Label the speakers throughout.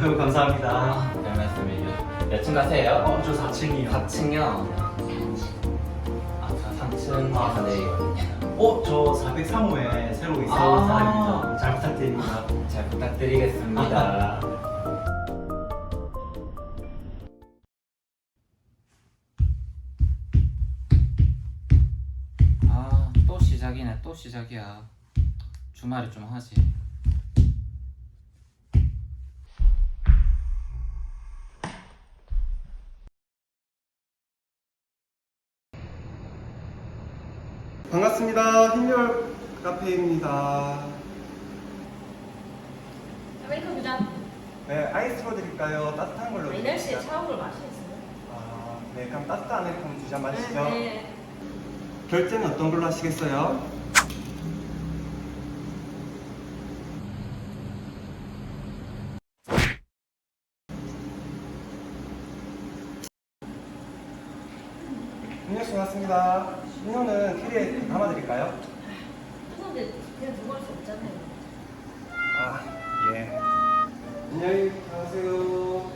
Speaker 1: 아유, 감사합니다.
Speaker 2: 별 말씀을요. 몇 층 가세요?
Speaker 1: 저 4층이요.
Speaker 2: 4층이요. 아, 저 3층에서 내리거든요.
Speaker 1: 저 403호에 새로 이사 온 사람입니다. 잘 부탁드립니다.
Speaker 2: 잘 부탁드리겠습니다. 아, 또 시작이네. 또 시작이야. 주말에 좀 하지.
Speaker 3: 반갑습니다. 흰열 카페입니다.
Speaker 4: 아메리카노 두 잔.
Speaker 3: 네, 아이스로 드릴까요? 따뜻한 걸로
Speaker 4: 이 날씨에 차가운 걸 마시겠어요?
Speaker 3: 아, 네, 그럼 따뜻한 아메리카노 두 잔 마시죠.
Speaker 4: 네.
Speaker 3: 결제는 어떤 걸로 하시겠어요? 음료수 왔습니다. 음료는 캐리에 담아드릴까요?
Speaker 4: 뜨거운데 그냥 두고 할 수 없잖아요.
Speaker 3: 아, 예. 안녕히 가세요.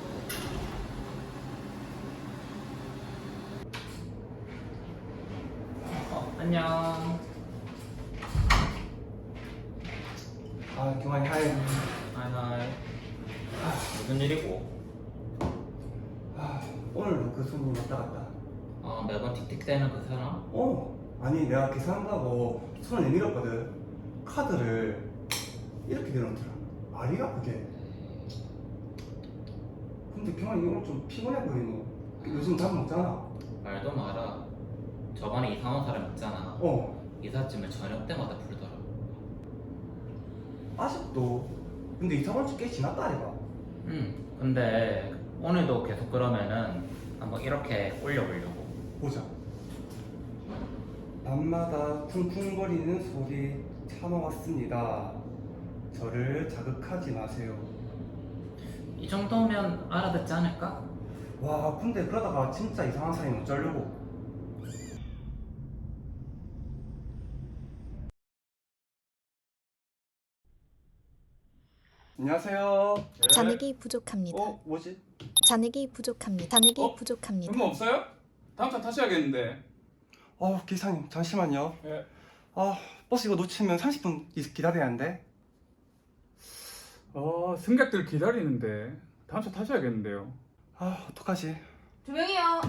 Speaker 2: 안녕.
Speaker 3: 아, 경환이 하이.
Speaker 2: 하이. 무슨 일이고?
Speaker 3: 아, 오늘도 그 손님 왔다 갔다.
Speaker 2: 매번 틱틱대는 그 사람?
Speaker 3: 아니 내가 계산한다고 손을 내밀었거든. 카드를 이렇게 내놓더라. 말이야 그게. 근데 경환이 오늘 좀 피곤해 보이노. 요즘 밥 먹잖아.
Speaker 2: 말도 마라. 저번에 이사 온 사람 있잖아. 이삿짐을 저녁 때마다 풀더라.
Speaker 3: 아직도. 근데 이사 온 지 꽤 지났다 아이가.
Speaker 2: 근데 오늘도 계속 그러면은 한번 이렇게 올려보려고.
Speaker 3: 보자. 밤마다 쿵쿵거리는 소리 참아왔습니다. 저를 자극하지 마세요.
Speaker 2: 이 정도면 알아듣지 않을까?
Speaker 3: 와, 근데 그러다가 진짜 이상한 사람이 어쩌려고. 안녕하세요.
Speaker 5: 잔액이 부족합니다.
Speaker 3: 뭐지?
Speaker 5: 잔액이 부족합니다. 잔액이 부족합니다.
Speaker 6: 그런 거 없어요? 다음 차 타셔야겠는데.
Speaker 3: 기사님, 잠시만요.
Speaker 6: 예.
Speaker 3: 버스 이거 놓치면 30분 기다려야 하는데.
Speaker 6: 승객들 기다리는데 다음 차 타셔야겠는데요.
Speaker 3: 어떡하지?
Speaker 4: 두 명이요.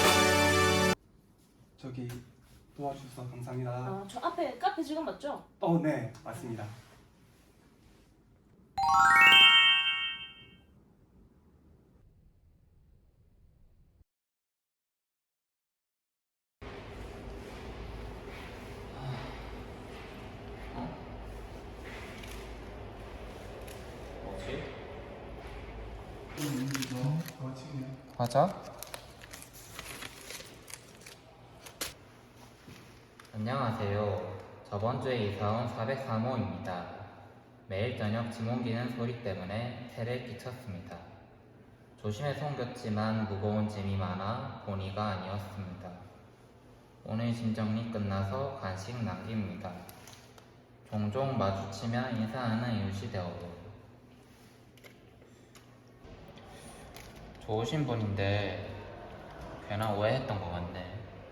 Speaker 3: 저기, 도와주셔서 감사합니다.
Speaker 4: 저 앞에 카페 직원 맞죠?
Speaker 3: 네, 맞습니다.
Speaker 2: 뭐지? 과자? 안녕하세요. 저번 주에 이사 온 403호입니다. 매일 저녁 짐 옮기는 소리 때문에 세를 끼쳤습니다. 조심해서 옮겼지만 무거운 짐이 많아 본의가 아니었습니다. 오늘 짐 정리 끝나서 간식 남깁니다. 종종 마주치면 인사하는 이웃이 되어요. 좋으신 분인데 괜한 오해했던 것 같네.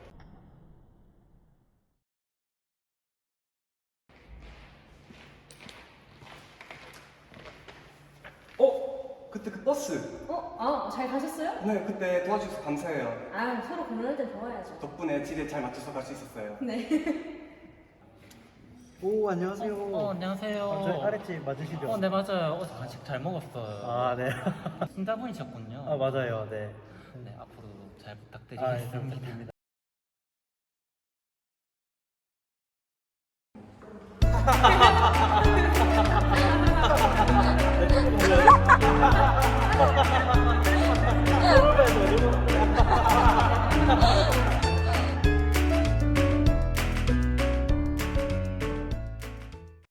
Speaker 3: 그때 그 버스.
Speaker 4: 잘 가셨어요?
Speaker 3: 네, 그때 도와주셔서 감사해요.
Speaker 4: 서로 고민할 땐 도와야죠.
Speaker 3: 덕분에 집에 잘 맞춰서 갈 수 있었어요.
Speaker 4: 네.
Speaker 1: 오, 안녕하세요.
Speaker 2: 안녕하세요.
Speaker 1: 저희 아랫집 맞으시죠?
Speaker 2: 네, 맞아요. 어제 간식 잘 먹었어요.
Speaker 1: 네.
Speaker 2: 신자분이셨군요.
Speaker 1: 맞아요. 네.
Speaker 2: 네, 앞으로 잘
Speaker 1: 잘
Speaker 2: 부탁드리겠습니다.
Speaker 1: 부탁드립니다.